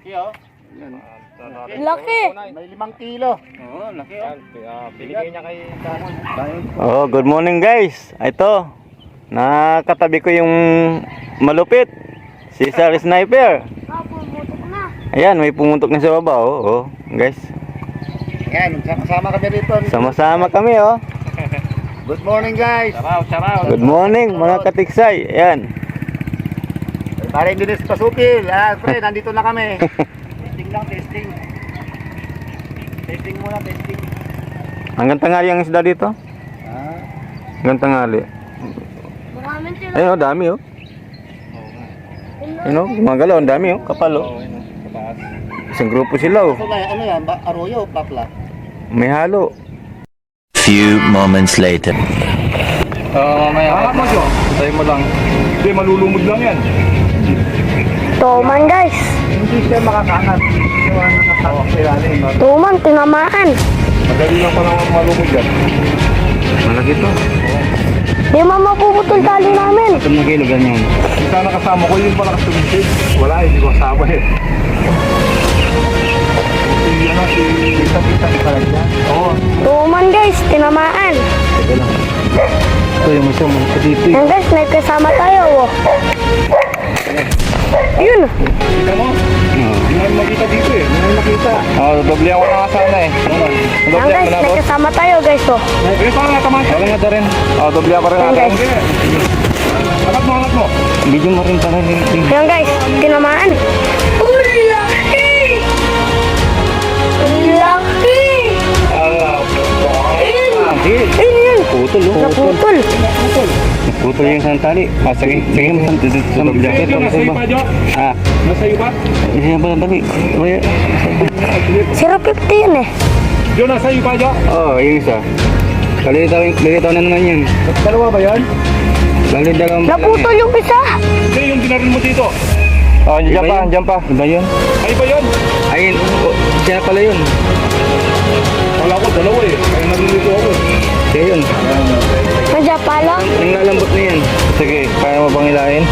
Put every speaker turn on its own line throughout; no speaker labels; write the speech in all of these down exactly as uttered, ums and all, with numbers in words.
Laki oh.
Yan.
Laki.
May limang kilo. Oo, laki oh. Binigay niya kay Damon.
Oh, good morning guys. Ito, nakatabi ko yung malupit, si Sir Sniper.
Ah, pumutok na.
Ayan, may pumuntok na sa baba. Oh, oh guys.
Yan, sama kami rito.
Sama-sama kami oh.
Good morning guys. Charaw, charaw.
Good morning mga katiksay. Ayan.
Pare Dennis Pasupil. Ah, pre, nandito na kami. Testing lang, testing. Testing muna, testing.
Hanggang tanghali ang isda dito.
Ah.
Hanggang tanghali.
Maraming sila.
Ayun oh, dami oh. Ayun oh, gumagalaw, ang dami oh, kapal oh. Isang grupo sila oh.
So, ano yan? Ba Arroyo o Papla?
May halo.
Few moments later.
Ah, may angat mo siya. Tayo mo lang. Hindi, malulumod lang yan.
Tuman guys.
Hindi siya makakaangat. Siya nakakawak sa ilalim.
Tuman, tinamaan.
Madali lang pa naman malumod yan.
Malaki to.
Di mo mapuputol tali namin.
Ito na kilo ganyan.
Yung sana kasama ko, yun pala kasumisid. Wala, hindi ko kasama eh. Si, ano, si...
Kita-kita ka pala dyan.
Oo.
Tuman guys, tinamaan.
Teka lang. Ito yung isa mo dito.
Yan guys, may kasama tayo. Oh. Yun.
Kita mo? Hindi namin makita dito eh. Hindi namin makita.
Oh, doble ako na sana eh.
Yan guys, may kasama tayo guys. Oh.
Eh, paano nga tamaan siya?
Wala nga rin. Oh, doble ako rin
Yan
natin.
guys.
Angat mo, angat mo.
Video mo rin para rin.
Yan guys, tinamaan. Uy, laki! Laki! Ayun! Ayun yun!
Putol oh.
Naputol.
Putol yung isang tali. Ah, sige. Sige mo. Sa jacket.
Jo, nasa iyo pa, Jo?
Ah.
Nasa iyo pa?
Sige ba tali? Wala.
zero fifty yun eh.
Jo, nasa iyo pa, Jo?
Oh, yung isa. Kalitaw, kalitaw na naman yun.
Dalawa ba yan?
Bali dalawang.
Naputol yung isa.
Hindi, yung dinarin mo dito.
Oh, dyan pa, dyan pa. Iba yun?
Ay ba yun?
Ayun, oh, siya pala yun.
Wala ko, dalawa eh. Kaya nalilito ako eh.
Siya yun.
Nandiyan pa lang.
Ang lalambot na yan. Sige, kaya mo bang ilahin?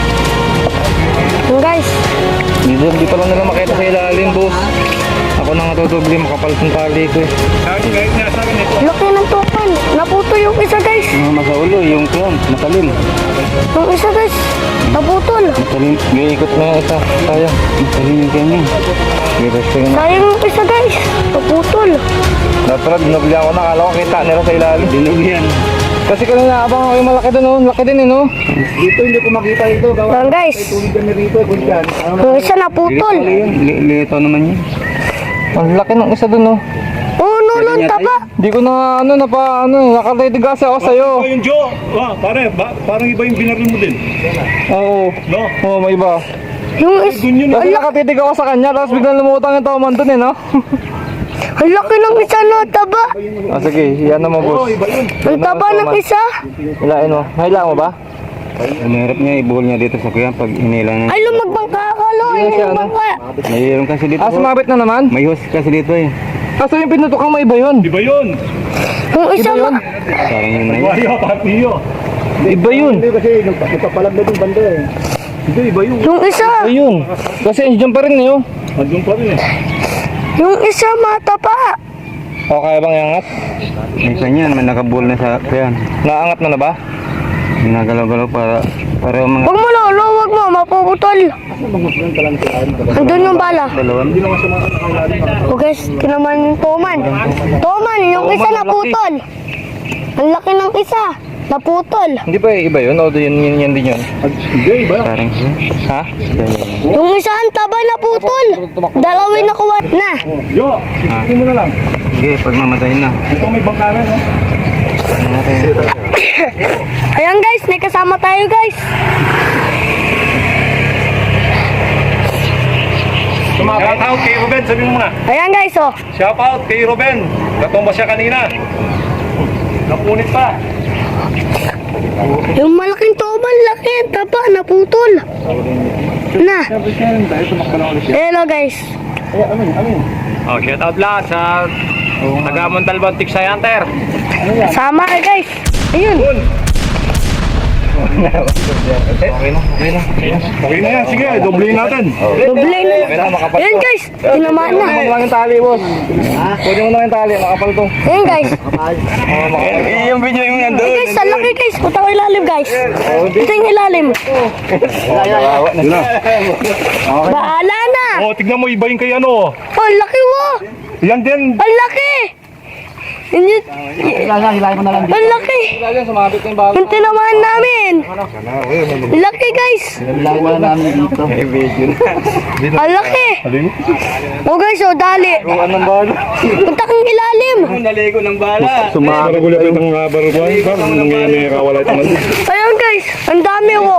Yan guys.
Dito, di pa lang nila makita sa ilalim, boss. Ako na nga tutubli, makapal ng tali ko eh.
Kahit kahit nga sa akin ito.
Laki ng tupan. Naputol yung isa guys.
Mga masaulo, yung kyan, matalim.
Yung isa guys. Naputol.
Matalim, iikot na yung isa. Sayang, matalim yung kyan yun. Giresto yun.
Sayang yung isa guys. Naputol.
Dapat pala, dinubli ako na, kala ko kita nila sa ilalim. Dinubli yan. Kasi kanina abang ako yung malaki doon, oh. Laki din eh, no?
Dito hindi ko makita ito.
Yan guys.
Tulid kami rito. Kundiyan.
Yung isa naputol.
Lito naman yun. Ang laki ng isa doon, no?
Oo, no, no, taba.
Di ko na, ano, na pa, ano, nakalitig kasi ako sa'yo.
Iba yung Jo. Ah, pare, ba, parang iba yung binaril mo din.
Oo.
No?
Oo, may iba.
Yung isa.
Dun yun.
Kasi nakatitig ako sa kanya, tapos biglang lumutang yung tauman doon, eh, no?
Ang laki ng isa no, taba.
Ah, sige, yan naman,
Oo,
boss.
iba yun.
Ang taba ng isa.
Hilain mo. Hilain mo ba? Ang hirap niya, ibuhol niya dito sa kuya pag hinilang niya.
Ay, lumagbangka ka, lo. Ay, lumagbangka.
Mayroon kasi dito.
Ah, sumabit na naman?
May hose kasi dito eh.
Kaso yung pinutukang may iba yun.
Iba yun.
Yung isa ma...
Parang yun na yun.
Wayo, patiyo.
Iba yun.
Hindi kasi nagpapalag na yung banda eh.
Hindi, iba yun.
Yung isa.
Iba yun. Kasi andyan pa rin eh. Oh.
Andun pa rin eh.
Yung isa mataba.
O, kaya bang iangat?
May kanyan, may nakabuhol na sa kuya.
Naangat mo na ba?
Ginagalaw-galaw para, para mga
Huwag mo, lolo. Huwag mo. Mapuputol. Andun yung bala.
dalawan.
O guys, kinaman yung toman. Toman, yung isa naputol. Ang laki ng isa. Naputol.
Hindi ba iba yun? O, yun, yun, yun din yun?
Hindi, iba.
Parang
Ha?
Yung isa ang taba naputol. Dalawin nakuha na.
Jo, ikutin mo na lang.
sige, pag mamatay na.
Ito may bangkaran, no?
Ayan guys, may kasama tayo guys.
Shout out kay Ruben, sabi mo muna.
Ayan guys, oh.
Shout out kay Ruben. Natumba siya kanina. Napunit pa.
Yung malaking toman, laki. Taba, naputol. Na. Hello guys.
Oh, shout out lahat sa taga Montalban Tiksay Hunter.
Sama ka guys. Ayun.
Okay na, okay na. Okay na yan, sige, doblehin natin.
Doble na. Ayan guys, tinamaan na.
Kunin mo lang yung tali, boss. Kunin mo lang yung tali, nakapal to.
Ayan guys.
Eh, yung video yung nandun.
Ay guys, ang laki guys. Punta ko ilalim guys. Ito yung ilalim.
Yun na.
Baala na.
Oh, tignan mo, iba yung kay ano.
Oh, ang laki wo.
Yan din.
Ang laki. Hindi,
Hilahin mo na lang dito.
ang laki.
Lagi, sumabit yung bago.
Yung tinamaan namin. Ang laki guys.
Hilahin mo na namin dito.
Ang laki. Oh guys, oh dali.
Anong bala?
Punta kang ilalim.
Naligo ng bala.
Sumama. Maragulap yung mga baruguan. Parang nangyayari may kawala ito man.
Ayun guys, ang dami wo.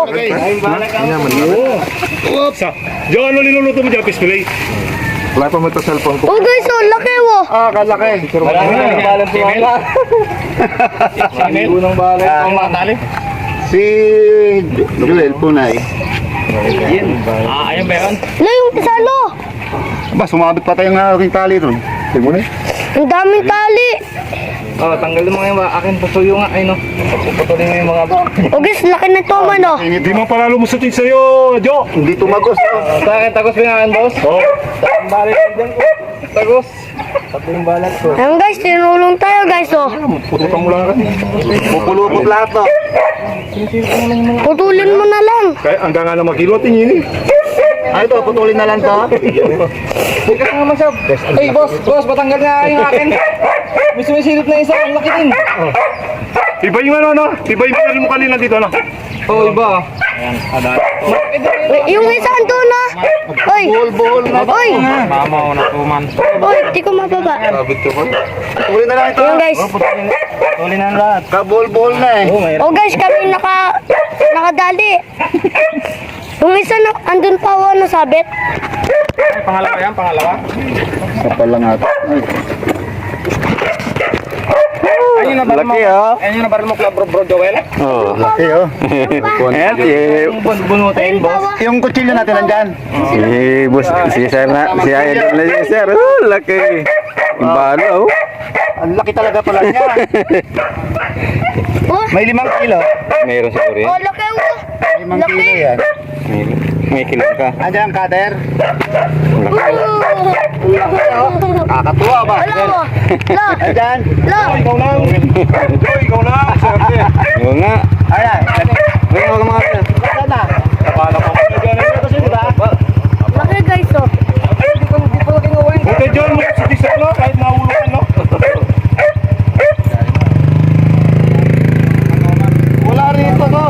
Oops! Diyan, ano linuluto mo dyan, pisplay? Wala pa mo ito cellphone ko.
Oh guys, oh laki wo.
Ah, kalaki.
Marami na yung balang sumama. Unang balay. Ang mga tali.
Si Joel Punay.
Ah, ayun ba yun?
Wala yung pisalo.
Ba, sumabit pa tayong aking tali doon. Tingnan mo na.
Ang daming tali.
Oh, tanggalin mo nga yung mga akin pasuyo nga. Ay no. Puputulin mo yung mga ba.
Oh guys, laki ng toman oh.
Hindi mo pala lumusutin sa'yo, Jo!
Hindi tumagos. Oh.
Sa akin, tagos pinangan, boss.
Oh,
Ang balay ko dyan, oh. Tagos. Pati yung balat ko.
Ayun guys, tinulong tayo guys oh.
pututan mo lang kasi.
Pupulupot lahat to.
Putulin mo na lang.
Kaya hanggang nga na magkilo, tingin eh.
Ano to, putulin na lang to.
Ika nga naman siya. Ay, boss, boss, patanggal nga yung akin. May sumisilip na isa, ang laki din.
Iba yung ano, no? Iba yung pinaril mo kanina dito, no?
Oo, oh, iba.
Wait, yung isa andun na. Oy.
Buhol-buhol na.
Oy.
Mama ko na tuman.
Oy, di ko mababa.
Putulin na lang ito.
Ayun guys.
Tuloy na lahat.
Kabuhol-buhol na eh.
Oh guys, kami naka nakadali. Yung isa na andun pa oh, ano sabit.
Pangalawa yan, pangalawa.
Kapal lang ata.
Ayun na baril mo.
Laki oh.
Ayun yung nabaril mo, Club Bro, Bro Joel.
Oh.
Laki oh.
Ayan, si,
Bunutin, boss.
Yung kutsilyo natin nandyan.
si, bus, si Sir na, si Idol na si Sir. Oh, laki. Yung bala oh.
Ang laki talaga pala niya.
Oh,
May limang kilo.
Mayroon siguro
oh
yan.
laki oh.
Limang
Laki.
kilo yan.
May, may kilo ka.
Andiyan ang cutter.
Oh.
Kakatuwa ba?
Wala mo. La.
Andiyan.
La.
Ikaw lang. Ikaw lang. Swerte.
Oo nga.
Ayan.
Ayun ako mga sir.
Saan na?
Kapala ko.
Kasi diba?
Laki guys oh.
Buti John, mo si Tisel, no? Kahit nahulukan, no?
Wala rito to.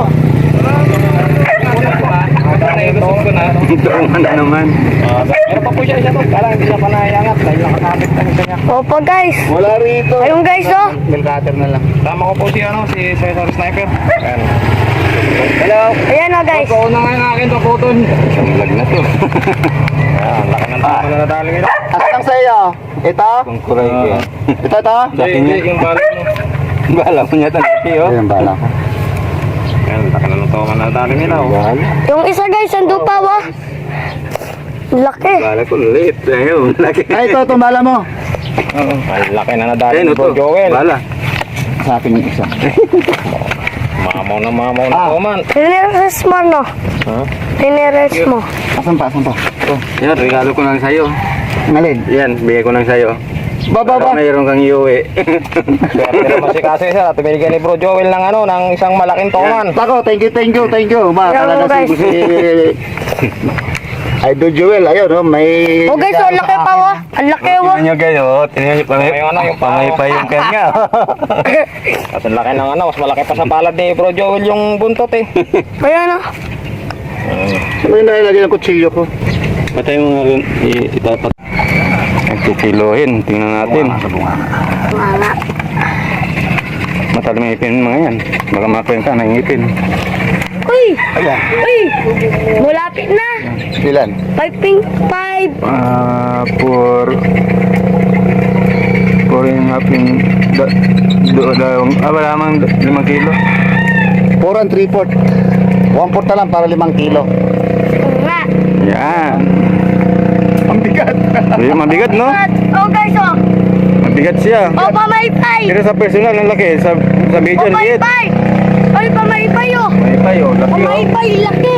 Nailusog ko na.
Ito man naman.
Meron pa po siya isa to. Parang hindi siya panayangat dahil nakakapit na isa niya.
Opo guys.
Wala rito.
Ayun guys oh.
Bell cutter na lang.
Tama ko po si ano, si Cesar Sniper. Ayan.
Hello.
Ayan oh guys.
Ikaw na nga yung akin to, putol.
Lag na to.
Ayan, laki ng tama na nadali ngayon.
Asang sa iyo? Ito?
Kung kuray ko yan.
Ito to?
Hindi, hindi, yung balot mo.
Bala mo niya talaki oh.
Ayan bala ko.
Ayan, laki na ng tama na nadali nila. Oh.
Yung isa guys, ando pa oh. Laki.
Bala ko ulit. Ayun, laki.
Ay, ito, itong bala mo.
Ay, laki na nadali
Ayun
ni
ito.
Bro Joel.
Bala.
Sa akin yung isa.
Mamaw na mamaw na
Ah.
tuman.
Tineres mo no.
Ha?
Tineres mo.
Asan pa, asan pa? Ito.
Yan, regalo ko lang sa'yo.
Ngalin.
Yan, bigay ko lang sa'yo.
Baba ba?
Para mayroon kang iuwi.
Swerte naman si Cesar at binigyan ni Bro Joel ng ano, ng isang malaking tuman.
Tako, thank you, thank you, thank you. Ma,
Hello,
talaga
guys.
si Idol Joel, ayun, oh, may...
Oh guys, oh laki pa oh. Ang laki oh.
Tingnan nyo guys, oh. Tingnan nyo, pamay,
Yung ano, yung
pamay pa yung kanya.
At ang laki ng ano, mas malaki pa sa palad ni Bro Joel yung buntot eh.
Ayan oh.
Ano yung nalagay ng kutsilyo ko?
Patay mo nga rin, i- itapat. Nagkikilohin, tingnan natin.
Wala.
Matalim ang ipin mga yan. Baka makuhin ka ng ipin.
Uy! Uy! Malapit na.
Ilan?
Five pink five.
Ah, for... For yung haping... Da, do, da, ah, wala mang limang kilo.
four and three fourth. one fourth na lang para limang kilo.
Nga.
Yan.
Ang bigat.
Ayun, mabigat, no?
Oh guys oh.
Mabigat siya.
Oh pamaypay.
Pero sa personal, ang laki. Sa, sa video,
Oh
ang liit.
pamaypay. Ay pamaypay oh.
May pa
Ay, oh, laki oh.
Pamaypay, laki.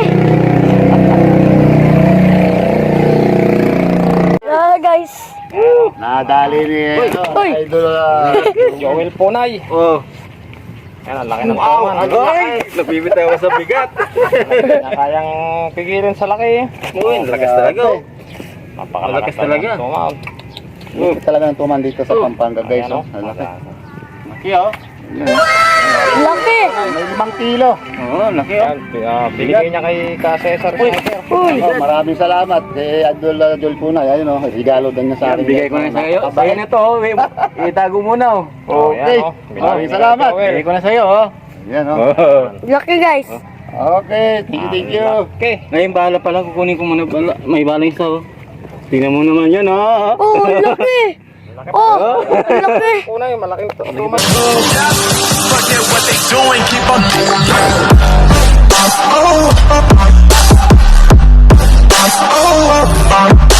Ah, guys.
Nadali ni ano,
Uy.
idol. ah,
Joel Ponay.
Oh.
Yan, ang laki ng tuman.
Ay, napibitaw ako sa bigat.
Na kayang pigilan sa laki.
Uy, lakas talaga. oh.
Napakalakas
Malakas talaga.
ng tuman.
Lupit talaga ng tuman dito sa Pampanga guys.
Ayan,
Oh.
oh.
Laki. Laki oh.
Laki.
May limang kilo.
Oo, laki oh.
Yan, uh, binigay niya kay Ka Cesar.
Uy.
Oh, maraming salamat kay Idol uh, Joel Punay. Ayun oh, regalo din niya sa akin.
Bigay ko na sa iyo. Sa'yo na to, oh. Itago muna oh.
Okay.
Yan, oh.
Maraming salamat.
Bigay ko na sa iyo oh.
Yan oh.
Laki, guys.
Okay, thank you, thank you.
Okay.
Ngayon bala pala, kukunin ko muna bala. May bala isa oh. Tingnan mo naman yan oh.
Oh, ang laki. Oh, ang laki.
Una yung malaking tuman.
Forget what they doing, keep on.